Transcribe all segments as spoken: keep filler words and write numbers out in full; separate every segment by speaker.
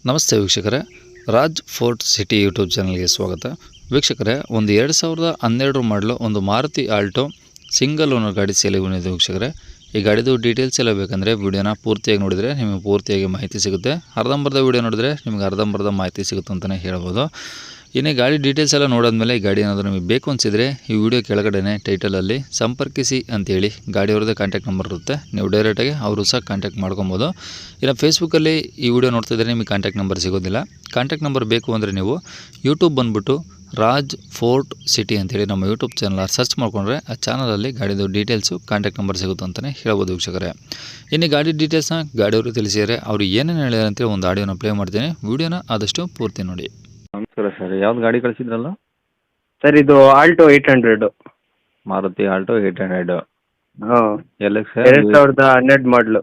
Speaker 1: ನಮಸ್ತೆ ವೀಕ್ಷಕರೇ, Raj fort city YouTube ಚಾನಲ್ಗೆ ಸ್ವಾಗತ. ವೀಕ್ಷಕರೇ, ಒಂದು ಎರಡು ಸಾವಿರದ ಹನ್ನೆರಡರ ಮಾಡಲು ಒಂದು ಮಾರುತಿ ಆಲ್ಟೋ ಸಿಂಗಲ್ ಓನರ್ ಗಾಡಿ ಸೇಲಿಗೆ ಬಂದಿದೆ. ವೀಕ್ಷಕರೇ, ಈ ಗಾಡಿದು ಡೀಟೇಲ್ಸ್ ಎಲ್ಲ ಬೇಕಂದರೆ ವಿಡಿಯೋನ ಪೂರ್ತಿಯಾಗಿ ನೋಡಿದರೆ ನಿಮಗೆ ಪೂರ್ತಿಯಾಗಿ ಮಾಹಿತಿ ಸಿಗುತ್ತೆ. ಅರ್ಧಂಬರ್ಧ ವಿಡಿಯೋ ನೋಡಿದರೆ ನಿಮಗೆ ಅರ್ಧಂಬರ್ಧ ಮಾಹಿತಿ ಸಿಗುತ್ತೆ ಅಂತಲೇ ಹೇಳ್ಬೋದು. ಇನ್ನು ಗಾಡಿ ಡೀಟೇಲ್ಸ್ ಎಲ್ಲ ನೋಡಿದ್ಮೇಲೆ ಈ ಗಾಡಿ ಏನಾದರೂ ನಿಮಗೆ ಬೇಕು ಅನಿಸಿದರೆ ಈ ವಿಡಿಯೋ ಕೆಳಗಡೆ ಟೈಟಲಲ್ಲಿ ಸಂಪರ್ಕಿಸಿ ಅಂತೇಳಿ ಗಾಡಿಯವ್ರದ್ದೇ ಕಾಂಟ್ಯಾಕ್ಟ್ ನಂಬರ್ ಇರುತ್ತೆ. ನೀವು ಡೈರೆಕ್ಟಾಗಿ ಅವರು ಸಹ ಕಾಂಟ್ಯಾಕ್ಟ್ ಮಾಡ್ಕೊಬೋದು. ಇನ್ನು ಫೇಸ್ಬುಕ್ಕಲ್ಲಿ ಈ ವಿಡಿಯೋ ನೋಡ್ತಿದ್ರೆ ನಿಮಗೆ ಕಾಂಟ್ಯಾಕ್ಟ್ ನಂಬರ್ ಸಿಗೋದಿಲ್ಲ. ಕಾಂಟ್ಯಾಕ್ಟ್ ನಂಬರ್ ಬೇಕು ಅಂದರೆ ನೀವು ಯೂಟ್ಯೂಬ್ ಬಂದುಬಿಟ್ಟು ರಾಜ್ ಫೋರ್ಟ್ ಸಿಟಿ ಅಂತೇಳಿ ನಮ್ಮ ಯೂಟ್ಯೂಬ್ ಚಾನಲ್ ಸರ್ಚ್ ಮಾಡಿಕೊಂಡ್ರೆ ಆ ಚಾನಲಲ್ಲಿ ಗಾಡಿದು ಡೀಟೇಲ್ಸು ಕಾಂಟ್ಯಾಕ್ಟ್ ನಂಬರ್ ಸಿಗುತ್ತೆ ಅಂತಲೇ ಹೇಳ್ಬೋದು ವೀಕ್ಷಕರೇ. ಇನ್ನು ಗಾಡಿ ಡೀಟೇಲ್ಸ್ನ ಗಾಡಿಯವರು ತಿಳಿಸಿದರೆ ಅವರು ಏನೇನು ಹೇಳಿದಾರೆ ಅಂತೇಳಿ ಒಂದು ಆಡಿಯೋನ ಪ್ಲೇ ಮಾಡ್ತೀನಿ. ವಿಡಿಯೋನ ಆದಷ್ಟು ಪೂರ್ತಿ ನೋಡಿ.
Speaker 2: ನಮಸ್ಕಾರ ಸರ್, ಯಾವ್ದು ಗಾಡಿ ಕಳಿಸಿದ್ರಲ್ಲ
Speaker 3: ಸರ್ ಇದು Alto eight hundred.
Speaker 2: Maruti Alto eight hundred.
Speaker 3: ಹಾಂ,
Speaker 2: ಎಲ್ ಎಕ್ಸ್
Speaker 3: ಎರಡು ಸಾವಿರದ ಹನ್ನೆರಡು ಮಾಡಲು.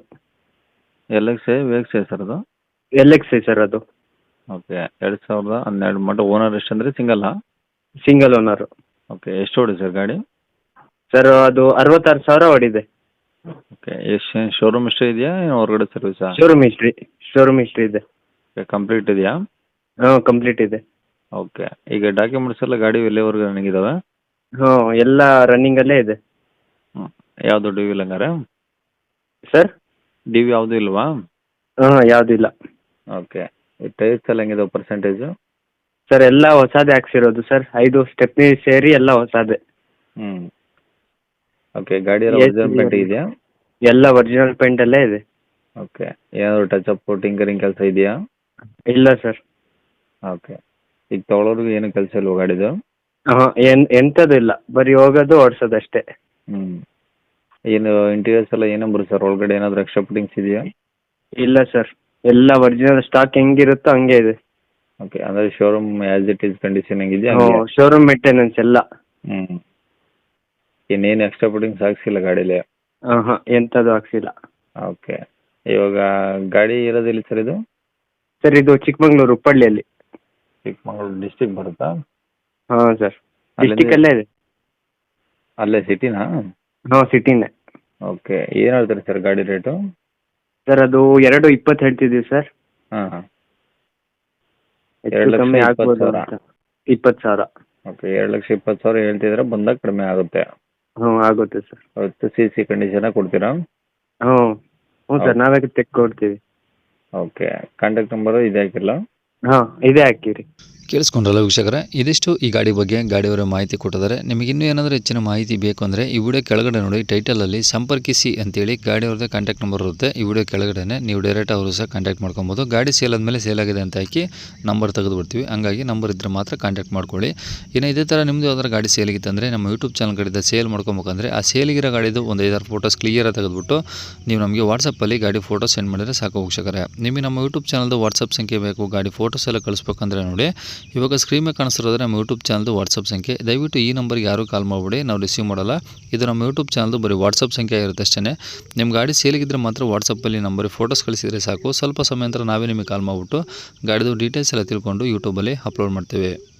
Speaker 2: L X V X sir ಅದು?
Speaker 3: ಎಲ್ ಎಕ್ಸ್ ಐ ಸರ್ ಅದು.
Speaker 2: ಓಕೆ, ಎರಡು ಸಾವಿರದ ಹನ್ನೆರಡು ಮಾಡಲ್. ಓನರ್ ಎಷ್ಟು ಅಂದರೆ ಸಿಂಗಲ್ಲಾ?
Speaker 3: Single owner.
Speaker 2: ಓಕೆ, ಎಷ್ಟು ಓಡಿ ಸರ್ ಗಾಡಿ?
Speaker 3: ಸರ್ ಅದು ಅರವತ್ತಾರು ಸಾವಿರ ಹೊಡಿದೆ.
Speaker 2: ಓಕೆ, ಎಷ್ಟು ಶೋರೂಮ್ ಇಷ್ಟೇ ಇದೆಯಾ ಏನು ಹೊರಗಡೆ ಸರ್ವಿಸಾ?
Speaker 3: ಶೋರೂಮ್ ಹಿಸ್ಟ್ರಿ ಶೋರೂಮ್ ಹಿಸ್ಟ್ರಿ ಇದೆ.
Speaker 2: ಓಕೆ, ಕಂಪ್ಲೀಟ್ ಇದೆಯಾ?
Speaker 3: ಹಾಂ, ಕಂಪ್ಲೀಟ್ ಇದೆ.
Speaker 2: ಓಕೆ, ಈಗ ಡಾಕ್ಯುಮೆಂಟ್ಸ್ ಎಲ್ಲ ಗಾಡಿ ಎಲ್ಲಿವರೆಗೂ ರನ್ನಿಂಗ್ ಇದಾವೆ?
Speaker 3: ಹಾಂ, ಎಲ್ಲ ರನ್ನಿಂಗಲ್ಲೇ ಇದೆ.
Speaker 2: ಹ್ಞೂ, ಯಾವುದು ಡಿ ವಿ ಇಲ್ಲ ಹಂಗಾರೆ?
Speaker 3: ಸರ್
Speaker 2: ಡಿ ವಿ ಯಾವುದೂ ಇಲ್ವಾ?
Speaker 3: ಹಾಂ, ಯಾವುದಿಲ್ಲ.
Speaker 2: ಓಕೆ, ಈ ಟೈರ್ಸ್ ಎಲ್ಲ ಹೆಂಗಿದಾವೆ ಪರ್ಸೆಂಟೇಜು?
Speaker 3: ಸರ್ ಎಲ್ಲ ಹೊಸದೇ ಹಾಕ್ಸಿರೋದು ಸರ್. ಐದು ಸ್ಟೆಪ್ನಿ ಸೇರಿ ಎಲ್ಲ ಹೊಸದೇ.
Speaker 2: ಹ್ಞೂ. ಓಕೆ, ಗಾಡಿ ಎಲ್ಲ ಒರಿಜಿನಲ್ ಪೇಂಟ್ ಇದೆಯಾ?
Speaker 3: ಎಲ್ಲ ಒರಿಜಿನಲ್ ಪೇಂಟಲ್ಲೇ ಇದೆ.
Speaker 2: ಓಕೆ, ಏನಾದರೂ ಟಚ್ ಅಪ್ ಟಿಂಕರಿಂಗ್ ಕೆಲಸ ಇದೆಯಾ?
Speaker 3: ಇಲ್ಲ ಸರ್.
Speaker 2: ಓಕೆ, ಈಗ ತೊಗೊಳೋರ್ಗು ಏನು ಕೆಲಸ ಇಲ್ವಾ ಗಾಡಿದು?
Speaker 3: ಹಾಂ, ಏನು ಎಂಥದ್ದು ಇಲ್ಲ, ಬರೀ ಹೋಗೋದು ಓಡಿಸೋದು ಅಷ್ಟೇ.
Speaker 2: ಹ್ಞೂ. ಏನು ಇಂಟೀರಿಯರ್ಸ್ ಎಲ್ಲ ಏನು ಬರುತ್ತೆ ಸರ್ ಒಳಗಡೆ? ಏನಾದರೂ ಎಕ್ಸ್ಟ್ರಾ ಫಿಟ್ಟಿಂಗ್ಸ್ ಇದೆಯಾ?
Speaker 3: ಇಲ್ಲ ಸರ್, ಎಲ್ಲ ಒರಿಜಿನಲ್ ಸ್ಟಾಕ್ ಹೆಂಗಿರುತ್ತೋ ಹಂಗೆ ಇದೆ.
Speaker 2: ಓಕೆ, ಅಂದರೆ showroom as it is condition ಹೆಂಗಿದೆಯಾ?
Speaker 3: ಹ್ಞೂ, ಶೋರೂಮ್ ಮೇಂಟೆನೆನ್ಸ್ ಎಲ್ಲ.
Speaker 2: ಹ್ಞೂ. ಇನ್ನೇನು ಎಕ್ಸ್ಟ್ರಾ ಫಿಟ್ಟಿಂಗ್ಸ್ ಹಾಕ್ಸಿಲ್ಲ ಗಾಡೀಲಿ?
Speaker 3: ಹಾಂ ಹಾಂ, ಎಂಥದ್ದು ಹಾಕ್ಸಿಲ್ಲ.
Speaker 2: ಓಕೆ, ಇವಾಗ ಗಾಡಿ ಇರೋದಿಲ್ಲ ಸರ್ ಇದು?
Speaker 3: ಸರ್ ಇದು ಚಿಕ್ಕಮಂಗ್ಳೂರು ಉಪ್ಪಳ್ಳಿಯಲ್ಲಿ.
Speaker 2: ಚಿಕ್ಕಮಗಳೂರು ಡಿಸ್ಟಿಕ್ ಬರುತ್ತಾ?
Speaker 3: ಹಾಂ ಸರ್,
Speaker 2: ಅಲ್ಲಿಂದ-
Speaker 3: ಡಿಸ್ಟಿಕಲ್ಲೇ ಇದೆ.
Speaker 2: ಅಲ್ಲೇ ಸಿಟಿನಾ?
Speaker 3: ಹಾಂ, ಸಿಟಿನೇ.
Speaker 2: ಓಕೆ, ಏನು ಹೇಳ್ತಾರೆ ಸರ್ ಗಾಡಿ ರೇಟು?
Speaker 3: ಸರ್ ಅದು ಎರಡು ಇಪ್ಪತ್ತು ಹೇಳ್ತಿದ್ದೀವಿ ಸರ್.
Speaker 2: ಹಾಂ ಹಾಂ. ಎರಡು
Speaker 3: ಹೆಚ್ಚು
Speaker 2: ಲಕ್ಷ
Speaker 3: ಕಮ್ಮಿ
Speaker 2: ಇಪ್ಪತ್ತು
Speaker 3: ಆಗ್ಬೋದು
Speaker 2: ಸಾವಿರ.
Speaker 3: ಅಂತ. ಇಪ್ಪತ್ತು ಸಾವಿರ.
Speaker 2: ಓಕೆ, ಎರಡು ಲಕ್ಷ ಇಪ್ಪತ್ತು ಸಾವಿರ ಹೇಳ್ತಿದ್ರೆ ಬಂದಾಗ ಕಡಿಮೆ ಆಗುತ್ತೆ.
Speaker 3: ಹ್ಞೂ, ಆಗುತ್ತೆ ಸರ್.
Speaker 2: ಅವತ್ತು ಸಿ ಸಿ ಕಂಡೀಷನಾಗಿ ಕೊಡ್ತೀರಾ?
Speaker 3: ಹ್ಞೂ ಹ್ಞೂ ಸರ್, ನಾವೇ ತೆಕ್ಕೊಡ್ತೀವಿ.
Speaker 2: ಓಕೆ, ಕಾಂಟ್ಯಾಕ್ಟ್ ನಂಬರು ಇದೆ ಹಾಕಿಲ್ಲ?
Speaker 3: ಹಾಂ, ಇದೇ ಹಾಕಿರಿ.
Speaker 1: ಕೇಳಿಸ್ಕೊಂಡ್ರಲ್ಲ ವೀಕ್ಷಕರೇ, ಇದಿಷ್ಟು ಈ ಗಾಡಿ ಬಗ್ಗೆ ಗಾಡಿಯವರ ಮಾಹಿತಿ ಕೊಟ್ಟಿದ್ದಾರೆ. ನಿಮಗೆ ಇನ್ನೂ ಏನಾದರೂ ಹೆಚ್ಚಿನ ಮಾಹಿತಿ ಬೇಕು ಅಂದರೆ ಈ ವಿಡಿಯೋ ಕೆಳಗಡೆ ನೋಡಿ ಟೈಟಲಲ್ಲಿ ಸಂಪರ್ಕಿಸಿ ಅಂತೇಳಿ ಗಾಡಿಯವ್ರದ್ದೇ ಕಾಂಟ್ಯಾಕ್ಟ್ ನಂಬರ್ ಇರುತ್ತೆ. ಈ ವಿಡಿಯೋ ಕೆಳಗಡೆ ನೀವು ಡೈರೆಕ್ಟ್ ಅವರು ಸಹ ಕಾಂಟ್ಯಾಕ್ಟ್ ಮಾಡ್ಕೊಬೋದು. ಗಾಡಿ ಸೇಲ್ ಆದಮೇಲೆ ಸೇಲ್ ಆಗಿದೆ ಅಂತ ಹಾಕಿ ನಂಬರ್ ತೆಗೆದು ಬಿಡ್ತೀವಿ. ಹಂಗಾಗಿ ನಂಬರ್ ಇದ್ದರೆ ಮಾತ್ರ ಕಾಂಟ್ಯಾಕ್ಟ್ ಮಾಡ್ಕೊಳ್ಳಿ. ಇನ್ನು ಇದೇ ಥರ ನಿಮ್ಮದು ಯಾವ್ದಾರು ಗಾಡಿ ಸೇಲಿಗಿತ್ತು ಅಂದರೆ ನಮ್ಮ ಯೂಟ್ಯೂಬ್ ಚಾನಲ್ ಕಡೆಯಿಂದ ಸೇಲ್ ಮಾಡ್ಕೊಬೇಕಂದ್ರೆ ಆ ಸೇಲಿಗಿರೋ ಗಾಡಿದು ಒಂದು ಐದಾರು ಫೋಟೋಸ್ ಕ್ಲಿಯರಾಗಿ ತೆಗೆದುಬಿಟ್ಟು ನೀವು ನಮಗೆ ವಾಟ್ಸಪ್ಪಲ್ಲಿ ಗಾಡಿ ಫೋಟೋ ಸೆಂಡ್ ಮಾಡಿದರೆ ಸಾಕು ವೀಕ್ಷಕರೇ. ನಿಮಗೆ ನಮ್ಮ ಯೂಟ್ಯೂಬ್ ಚಾನಲ್ದು ವಾಟ್ಸಪ್ ಸಂಖ್ಯೆ ಬೇಕು, ಗಾಡಿ ಫೋಟೋಸ್ ಎಲ್ಲ ಕಳಿಸ್ಬೇಕಂದ್ರೆ ನೋಡಿ ಇವಾಗ ಸ್ಕ್ರೀನ್ ಮೇಲೆ ಕಾಣಿಸ್ತಿರೋದ್ರೆ ನಮ್ಮ ಯೂಟ್ಯೂಬ್ ಚಾನಲ್ದು ವಾಟ್ಸಪ್ ಸಂಖ್ಯೆ. ದಯವಿಟ್ಟು ಈ ನಂಬರ್ಗೆ ಯಾರೂ ಕಾಲ್ ಮಾಡಿಬಿಡಿ, ನಾವು ರಿಸೀವ್ ಮಾಡಲ್ಲ. ಇದು ನಮ್ಮ ಯೂಟ್ಯೂಬ್ ಚಾನಲ್ದು ಬರೀ ವಾಟ್ಸಪ್ ಸಂಖ್ಯೆ ಇರುತ್ತೆ ಅಷ್ಟೇ. ನಿಮ್ಮ ಗಾಡಿ ಸೇಲಿಗಿದ್ರೆ ಮಾತ್ರ ವಾಟ್ಸಪ್ಪಲ್ಲಿ ನಂಬರಿಗೆ ಫೋಟೋಸ್ ಕಳಿಸಿದರೆ ಸಾಕು. ಸ್ವಲ್ಪ ಸಮಯ ನಂತರ ನಾವೇ ನಿಮಗೆ ಕಾಲ್ ಮಾಡಿಬಿಟ್ಟು ಗಾಡಿದು ಡೀಟೇಲ್ಸ್ ಎಲ್ಲ ತಿಳ್ಕೊಂಡು ಯೂಟ್ಯೂಬಲ್ಲಿ ಅಪ್ಲೋಡ್ ಮಾಡ್ತೇವೆ.